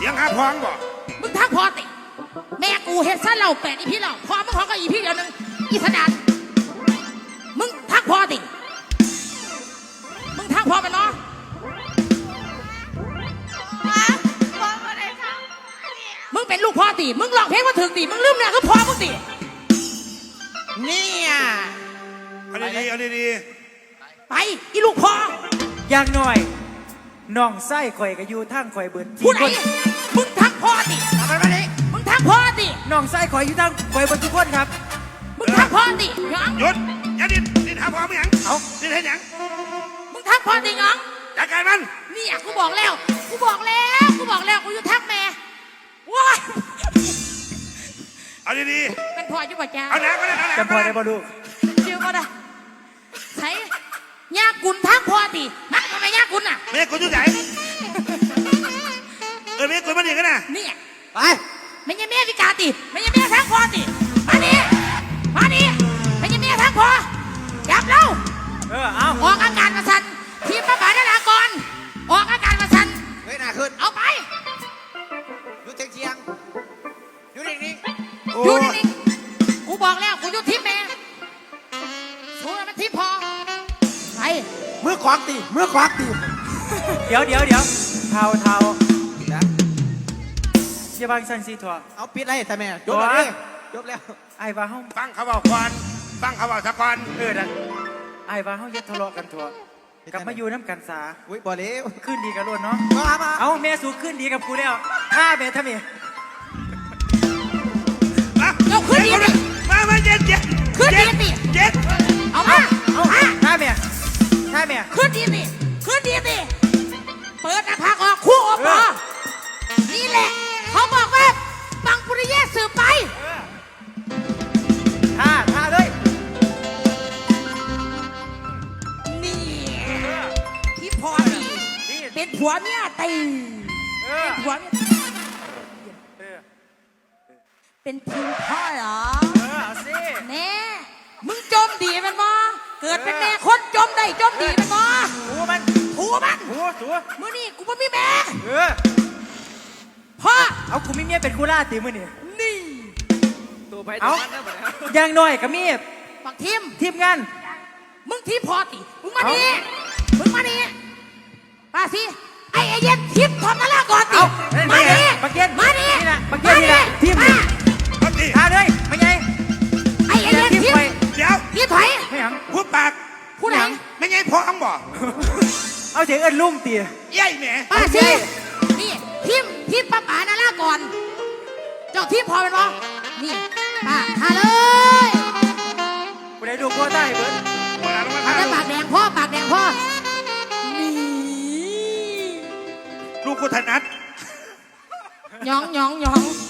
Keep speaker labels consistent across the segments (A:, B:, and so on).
A: เสียงหาพองบ่
B: มึงทักพอติแม่กูเฮ็ดซะเราแปดอีพี่เราพอมึงขอก็อีพี่เดียวนึงอีสดานมึงทักพอติมึงทักพอไปเนาะมึงเป็นลูกพ่อติมึงร้องเพลงมาถึงติมึงลืมเนี่ยคือพ่อมึงติ
C: เนี่ย
A: เอาดีๆเอาดี
B: ไปอีลูกพ่อ
D: อย่างหน่อยน้องไส้ข่อยก็อยู่ทางข่อยเบิด
B: ผู้ไหนมึงทักพ่อติ
C: ทำไมมาดิ
B: มึงทักพ่อติ
D: น้องไส้ข่อยอยู่ทางข่อยเบิดทุกคนครับ
B: มึงทักพ่อติหยัง
A: หยุดอย่าดิ้นหาพองไม่หยังเอาดิ้นให้หยัง
B: มึงทักพ่อติหยัง
A: จัดการมัน
B: นี่กูบอกแล้วกูอยู่ทักแม่ว้า
A: เอาดี
B: ๆเป็นพ่ออยู่ป่ะจ้า
A: เอาหนักก็ได้เอาหนัก
D: จำพอได้บ่ลูก
B: ชื่อก็ได้ใช่ยากุลทักพ่อตินักทำไมยากุลน่ะ
A: แม่กูอยู่ไหนแม่กูมาดีกันนะ
B: นี่
C: ไป
B: ไม่ใช่แม่พิการติไม่ใช่แม่ทักพ่อติมาดิไม่ใช่แม่ทักพ่อจับเรา
D: เอา
B: ออกอาการมาสั่นทีมพระบาทนากรออกอาการมาสั่น
C: เฮ้ยหน้าขึ้น
B: เอาไป
C: อยู่เชียงอยู่นิ่ง
B: อยู่นิ่งกูบอกแล้วกูอยู่ทีมแม่สู้มันทีมพอไป
C: มือขวางตี
D: เดี๋ยวเท้าอย่าบางสันสีถั่ว
C: เอาปิดอะไรแต่แม่จบแล้วจบแล้ว
D: ไอ้ว่าเฮา
A: ฟังเขาบอกควันฟังเขาบอกสะกอน
D: นั่นไอ้ว่าเฮาอย่าทะเลาะกันถั่วกลับมาอยู่น้ำกันสา
C: อุ้ยบ่เล้ว
D: ขึ้นดีกันล้วนเนาะ
C: มา
D: เอาแม่สูขึ้นดีกับกูแล้วฆ่าแม่ทำไม
B: เอาขึ้นดีดิ
A: มาเจ็ด
B: ขึ้นดีดิ
A: เจ็ด
B: เอามา
D: ฆ่าแม่
B: ขึ้นดีดิเปิดหน้าผากออกคู่ออกมานี่แหละเขาบอกว่าบังปุริเยศสืบไป
D: ฆ่าเลย
B: นี่ที่พอดีเป็นผัวเมียตีเป็นผัวเมียเป็นทีมพ่อเหรอ
D: เอาสิ
B: แน่มึงจมดีมันบ่เกิดเป็นแม่คนจมได้จมดีมันบ่
D: ถูมัน
B: มื้อนี้กูไม่มีแม่พ่อ
D: เอากูมีเมียเป็นคูล่าตีมื้อนี่
C: ตัวไปตัวมันแล้ว
D: อย่างน้อยก็มี
B: บัก
D: ทีมงาน
B: มึงทีมพอติมึงมานี่มาสิไอ้เย็นทีมทอมนั่นละก่อนติมานี่
D: บักเย็น
B: นี่
D: นะบักเย็นนี่นะทีมฆ่าเลยไม่ไง
B: ไอ้เย็นทีม
A: เดี๋ยว
B: ทีมถอย
D: ไม่หยัง
A: พูดปาก
B: ผู้ไหน
A: ไม่ไงพองบ่
D: เอาเสียงเอิ้นลุ่มตี
A: ใหญ่แหม
B: มาสินี่ทีมป้าป๋านั่นละก่อนเจ้าทีมพอเป็นบ่นี่มาเลย
D: กูได้ดูพ่อได้เบิร์ด
B: ได้ปากแดงพ่อนี่
A: ลูกกูถนัด
B: หยองงาน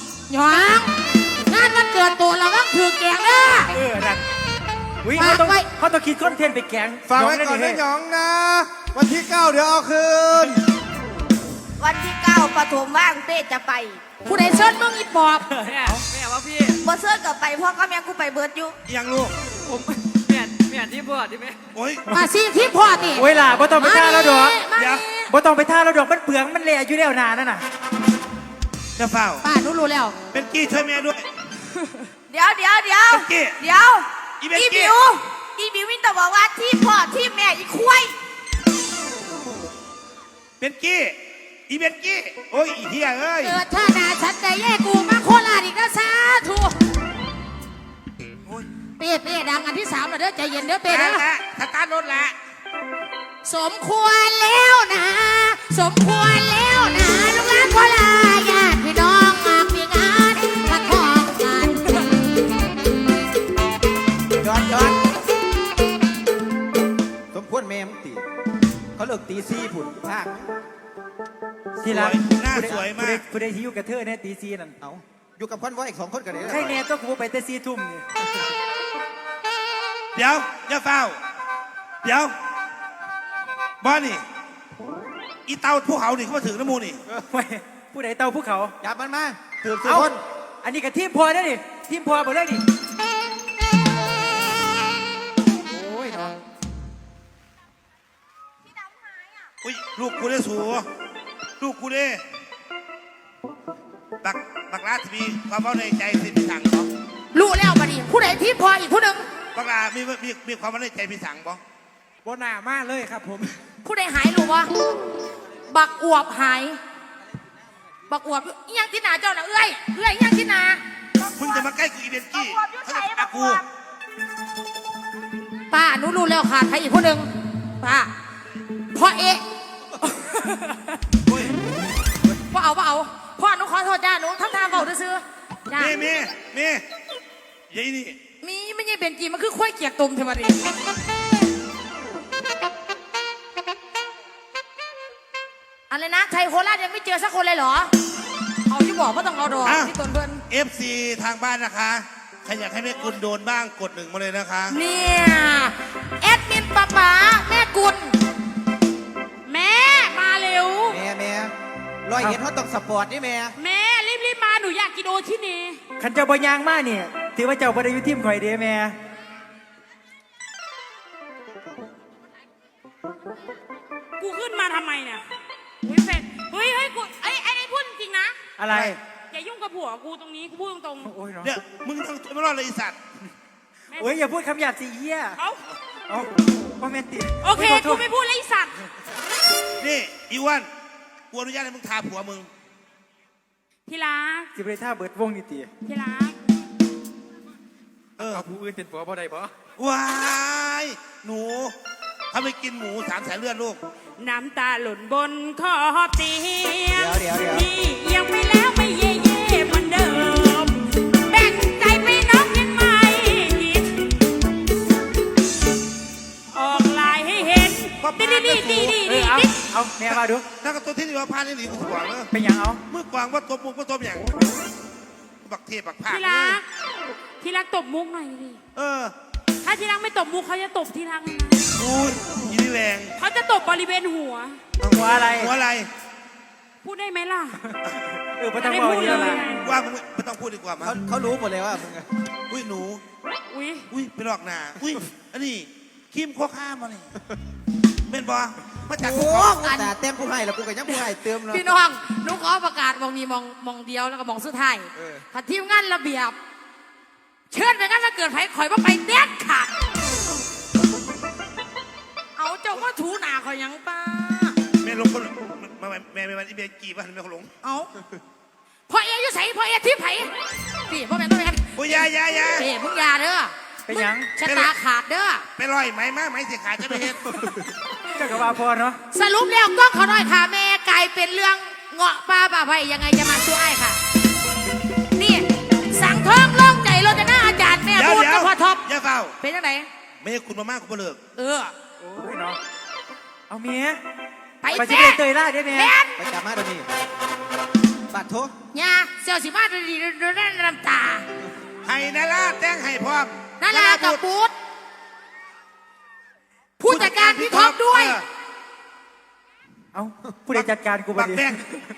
B: มันเกิดตัวเราต้องถือแกงนะ
D: นั่นวิ่งเขาต้องคิดคอนเทนต์ไปแกง
C: ฝากไว้ก่อนนะหยองนะวันที่9เดี๋ยวเอาคืน
E: วันที่9ปฐมว่างเต้จะไป
B: ผู้ใดเชิญมึงอีปอบ
C: แม่ว่าพี่
E: บ่เชิญกับไปพ่อก็แม่กูไปเบิดอยู่
A: ยังลูก
C: ผมแม่ที่พ่อที่แม่
A: โอ้ย
B: มาสิที่พ่อนี่
D: เวลาบ่ต้องไปท่าแล้วดอกบ่ต้องไปท่าแล้วดอกมันเปลืองมันเละอยู่แล้วนานนั่นน่ะ
A: จะเฝ้า
B: ป้ารู้แล้ว
A: เป็นกี้ช่วยแม่ด้วย
E: เดี๋ยวอีบิววินแต่บอกว่าที่พ่อที่แม่อีควาย
A: เป็นกี้อีเบนกี้โอ้ยอีเหี้ยเอ้ย
B: เกิดท่านาฉันใจแย่กูมาโคราชอีกนะสาธุเป้ดังอันที่3แล้วเด้อใจเย็นเด้อเป้เด้อ
A: สตาร์ทรถละ
B: สมควรแล้วนะลูกหลานโคราชญาติพี่น้องมามีงานมาทองงาน
C: ย้อนสมควรแม่มึงตีเขาเลิกตี4ผุนภาค
D: ทีละ
A: หน้าสวยมาก
D: ผู้ใดที่อยู่กับเธอเนี่ยตี4นั่น
C: เอาอยู่กับคนว่าอีก2คนกันเลย
D: ใครแน่ต้องกูไปแต่4 ทุ่มนี่
A: เดี๋ยวอย่าเฝ้าเดี๋ยวบ้านี่อีเตาภูเขานี่เขามาถึงน้ำมูนี่
D: ผู้ใดเตาภูเขา
C: จับมันมาถือคน
D: อันนี้กับทีมพอได้ดิทีมพอหมดเลยดิโอ้ยน้อง
A: อุ้ยลูกกูได้สูลูกกูได้บักลาที่มีความเว้าในใจสิพี่สังบ่
B: รู้แล้วบัดนี้ผู้ใดทีมพออีกผู้หนึ่ง
A: บักลามีความเว้าในใจพี่สังบ่
D: บนหน้ามาเลยครับผม
B: ผู้ใดหายรู้วะบักอวบหาย บักอวบอิหยังที่หนาเจ้าน่ะเอ้ยอิหยังที่หนา
A: มึงจะมาใกล้กูอีเวนกี้เขาจะอากู
B: ป้าหนูรู้แล้วค่ะใครอีกผู้หนึ่งป้าพ่อเอะ
A: โอ้ย
B: พ่อเอาพ่อหนูขอโทษจ้าหนูทำทางเบาซื้อจ้า
A: เมยัยนี่
B: มีไม่ใช่เป็นกีมันคือควายเกียกตุ่มเทวดาอะไรนะไทยโคราชยังไม่เจอสักคนเลยเหรอเอาที่บอกว่าต้องเอาดอกที่ตนเพิ่น
A: FC ทางบ้านนะคะใครอยากให้แม่กุลโดนบ้างกด 1มาเลยนะคะ
B: เนี่ยแอดมินป๊าป๋าแม่กุลแม่มาเร็ว
C: แม่ร้อยเอ็ดเขาต้องสปอร์ตนี่แม่
B: แม่รีบมาหนูอยากกินโอชิเน่
D: ขันเจ้าบ่ยางมาเนี่ยถือว่าเจ้าบ่ได้อยู่ทีมข่อยเด้แม่
F: กูขึ้นมาทำไมเนี่ยเฮ้ยเฟนเฮ้ยกูไอ้พูดจริงๆนะ
D: อะไร
F: อย่ายุ่งกับผัวกูตรงนี้กูพูดตรง
D: โอ้ยเนาะ
A: เนี่ยมึงต้องไม่รอดเลยไอีสัตว์
D: โอ้ยอย่าพูดคำหยาบสิเหี้ย
F: ๆเขา
D: เอาพ่อแม่ติ
F: โอเคกูไม่พูดเลยไอ้สัตว์
A: นี่อีอ้วันกูอนุญาตให้มึงทาผัวมึง
F: ที่รัก
D: สิบเลยท่าเบิดวงนี่ตี
F: ที่รัก
D: เอาผู้อื่นเป็นผัวบ่ได้บ่
A: ว้ายหนูถ้าไม่กินหมู3 สายเลือดลูก
F: น้ำตาหล่นบนขอบเตียง
C: เดี๋ยว
F: นี่ยังไม่แล้วไม่เย่เหมือนเดิมแบ่งใจไปน้องยังไม่คิดออกลายให้เห็นดี
D: เอาแม่มาดู
A: นักกระตุ้นที่นี่ว่าพานี่หลีกูสว่างเลย
D: เป็นหยังเอา
A: มือกวางว่าตัวมุกว่าตัวอย่างบักเทพบักผา
F: ที่รักที่รักตบมุกหน่อยดิ ถ้าที่รักไม่ตบมุกเขาจะตบที่รักเลยนะ
A: กูยีนี่แรง
F: เขาจะตบบริเวณหัว
D: หัวอะไร
A: หัวอะไร
F: พูดได้ไหมล่ะ
D: ไม่ต้องบอกเยอะละ
A: ว่ามึงไม่ต้องพูดดีกว่ามั้ง
C: เขารู้หมดเลยว่ามึงอะ
A: อุ้ยหนู
F: อุ้ย
A: อุ้ยไปหลอกหนาอุ้ยอันนี้ครีมโคข้ามาเลยเป็นบอมาจาก
C: โอ้
A: ภู
C: โห
A: เขา
C: แต่เต็มผู้ให้แล้วกูก็ยังผู้ให้เติมเนาะ
B: พี่น้องหนูขอประกาศมองนี้มองเดียวแล้วก็มองสุดท้าย
C: เออ
B: ถ้าทีมงานระเบียบ เชิญไปงานถ้าเกิดไผข่อยว่าไปเด็ดขาดเอาเจ้าว่าถูหนาเขายังป้า
A: แม่ลงคนแม่อีเบียกี่บ้านแม่เขาลง
B: เอาพ่อเอ๋อยู่ใส่พ่อเอ๋ที่ไผพี่พ่อแม่ต้องไปกัน
A: โอ้ยยา
B: เอ๋มึงอยาเด้อ
D: เป็นหยัง
B: ชะตาขาดเด้อ
A: ไปลอยไหมมาไหมเสียขาดจะไปเห็น
D: เจ้าก็ว่าพอเนาะ
B: สรุปแล้วกล้องเขาน้อยค่ะแม่กลายเป็นเรื่องเงาะปลาป่าไผ่ยังไงจะมาช่วยค่ะ นี่สั่งท้องล่องใจเราจะหน้าอาจารย์แม่พูดกับพ่อท็อป
A: อย่าเฝ้า
B: เป็นยังไง
A: ไม่คุณมามากคุณเลิก
B: เออ
D: โอ้ยเนาะเอาเมีย
B: ไป
D: ไปสิ
B: แม่
D: เตยล่าได้แม่
B: แม่
C: ไปจับมาเดี๋ยวนี้บัตรโทษ
B: ยาเสี่ยวสิมาดีๆดูนั่นน้ำตา
A: ให้นาลาแต่งให้พร้อม
B: นาลากับบูธผู้จัดการพี่ท็อปด้วย
D: เอาผู้ใดจัดการกูบ่
A: บัก
D: ดี
A: แดง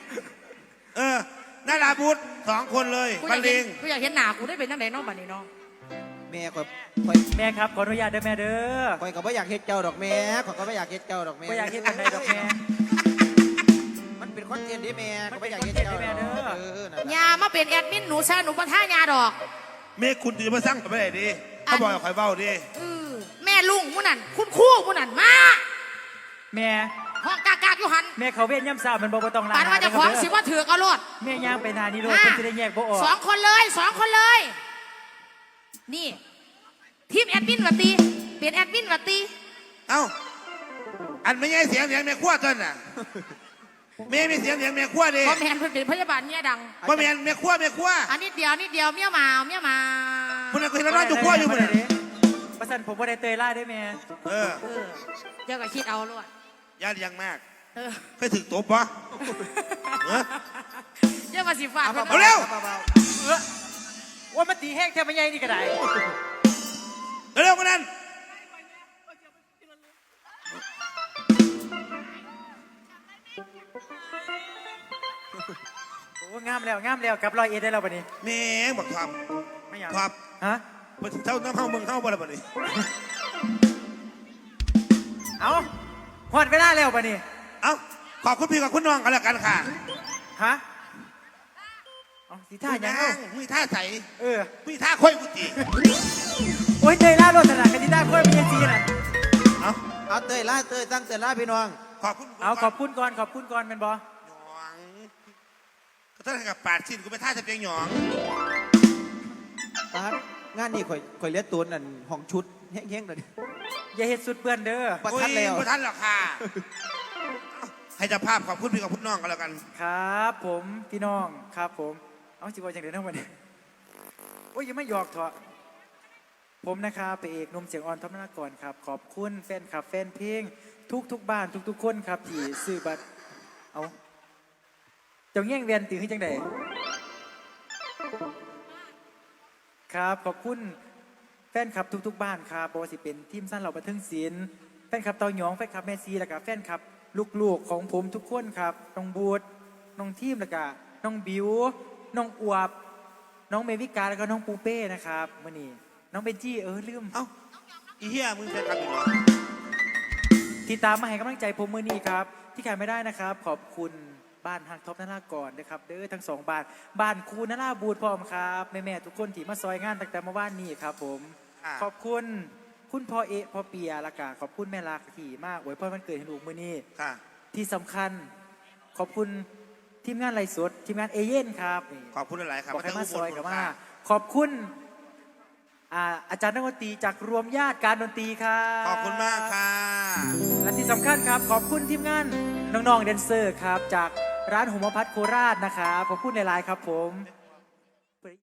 A: นาลาบูธ2 คนเลย
B: กู
A: บร
B: อยาร ก
A: เล
B: เห็
A: ง
B: นกูอยากเห็นหน้ากูได้เป็นตั้งไหนน้องบัดนี้น้อง
C: แม่คอย
D: แม่ครับขออนุญาตเด้อแม่เด้อ
C: คอยก็ไม่อยากเฮ็ดเจ้าดอกแม่คอยก็ไม่อยากเฮ็ดเจ้าดอกแม่
D: บ่อยากเฮ็ดอันใดดอกแม่
C: มันเป็นคอนเทนต์ดิแม่ก็ไม่อยากเฮ็ดเจ้า
D: มันเป็นคอนเทนต์ดิแม่เด้อ
C: นั่นแหละ
B: ยามาเป็นแอดมินหนูซะหนูประท่ายาดอก
A: เมฆคุณจะมาสร้างไปไหนดีเขาบอกคอยเบ้าดิ
B: แม่ลุงผู้นั้นคุณครู่ผู้นั้นมา
D: แม่
B: ห้องกากากอยู่หัน
D: แม่เขาเวียนย่ำสาวมันบ่ต้องล้าง
B: ปานว่าจะของสิว่าถือกเอารถ
D: แม่ย่างไปนานี่โลดเพิ่นสิได้แยกบ่ออก
B: 2 คนเลย 2 คนเลย นี่ ทีมแอดมินวัตตีเป็นแอดมินวัตตี
A: เอ้าอันไม่ใช่เสียงแม่ขั้วต้นน่ะเมย์มีเสียงแม่ขั้วดิ
B: พอแมนเพิ่นเป็นพยาบาลเนี่ยดัง
A: บ่แม่นแม่ขั้ว
B: อันนิดเดียวเมียมา
A: คุณน่ะเคยนอนอยู่ขั้วอยู่บ่เนี่ย
D: ประสันผมบ่ได้เตยล่าได้แม่
B: เออเจ้าก็คิดเอาลวด
A: ญาติยังมาก
B: เออ
A: เคยถึงตบปะ
B: เจ้ามาสิฟาด
A: เอาเร็ว
D: ว่ามันตีแห้งแทบไม่ใหญ่นี่ก็ได้
A: เร็วกันนั้น
D: โอ้งามแล้วกลับร้อยเอ็ดได้แล้วบัดนี้
A: แม่งบอกความ
D: ไม่อยาก
A: ความ
D: ฮะ
A: เท่าน้ำเข้ามึงเข้าบ่ละบ่นี่
D: เอาหอดเวลาแล้วบัดนี้
A: เอ้าขอบคุณพี่กับคุณน้องกันแล้วกันค่ะ
D: ฮะเอาสิท่าหยัง
A: นั่
D: เอา
A: งมีท่าใส่
D: เออ
A: มีท่าค่อยกุฏิ
D: โอ้ยเตยล่าโรดสนานกันที่ได้ค่อยมีเอซีน่ะ
A: เอา
C: เอาเตยล่าเตยตั้งเตยล่าพี่น้อง
A: ขอบคุณ
D: เอาขอบคุณก่อนขอบคุณก่อนเป็นบอ
A: หยองก็ถ้ากับปาดชิ้นกูไปท่าจะเพียงหยอง
C: ตาดงานนี้ข่อยเลี้ยตูนนั่นห้องชุดแห้งๆเลย
D: อย่าเฮ็ดสุดเปื้อนเด้อ
C: ประทัดแล้ว
A: ประทัดหรอกค่ะให้เจ้าภาพขอบคุณพี่ขอบคุณน้องกันแล้วกัน
D: ครับผมพี่น้องครับผมเอาจิบอยจังเดินทั้งวันนี้โอ้ยยังไม่หยอกเถอะผมนะครับไปเอกหนุ่มเสียงอ่อนทอมนากรครับขอบคุณแฟนคลับแฟนเพลงทุกบ้านทุกคนครับที่ซื้อบัตรเอาเจ้าแย่งเวียนตื่นขึ้นจังใดครับขอบคุณแฟนคลับทุกบ้านครับบอสิเป็นทีมสั้นเหล่าบันเทิงศิลป์แฟนคลับเตาหยองแฟนคลับแม่ซีแล้วก็แฟนคลับลูกๆของผมทุกคนครับน้องบูดน้องทีมแล้วก็น้องบิวน้องอวบน้องเมวิกาแล้วก็น้องปูเป้นะครับมื่อนี้น้องเบนจี้ลืม
A: เอ้าอีเหี้ยมึงแฟนคลับอยู่เหรอ
D: ที่ตามมาให้กำลังใจผมมื่อนี้ครับที่ขาดไม่ได้นะครับขอบคุณบ้านฮักท็อปนาราก่อนนะครับเด้อทั้ง2 บ้านครูนาราบูดพร้อมครับแม่ๆทุกคนที่มาซอยงานตั้งแต่เมื่อวานนี้ครับผมขอบคุณคุณพ่อพ่อเปียละกาขอบคุณแม่ลักที่มากอวยพรวันเกิดให้ลูกมื่อนี้
A: ค่ะ
D: ที่สำคัญขอบคุณทีมงานไลฟ์สดทีมงานเอเย่นครับ
A: ขอบคุณหลายๆครับ
D: บอกให้มาซอยกับมาขอบคุณอาจารย์นักดนตรีจากรวมญาติการดนตรีครับ
A: ขอบคุณมากค่ะ
D: และที่สำคัญครับขอบคุณทีมงานน้องๆแดนเซอร์ครับจากร้านหัวพัดโคราชนะครับขอบคุณในไลน์ครับผม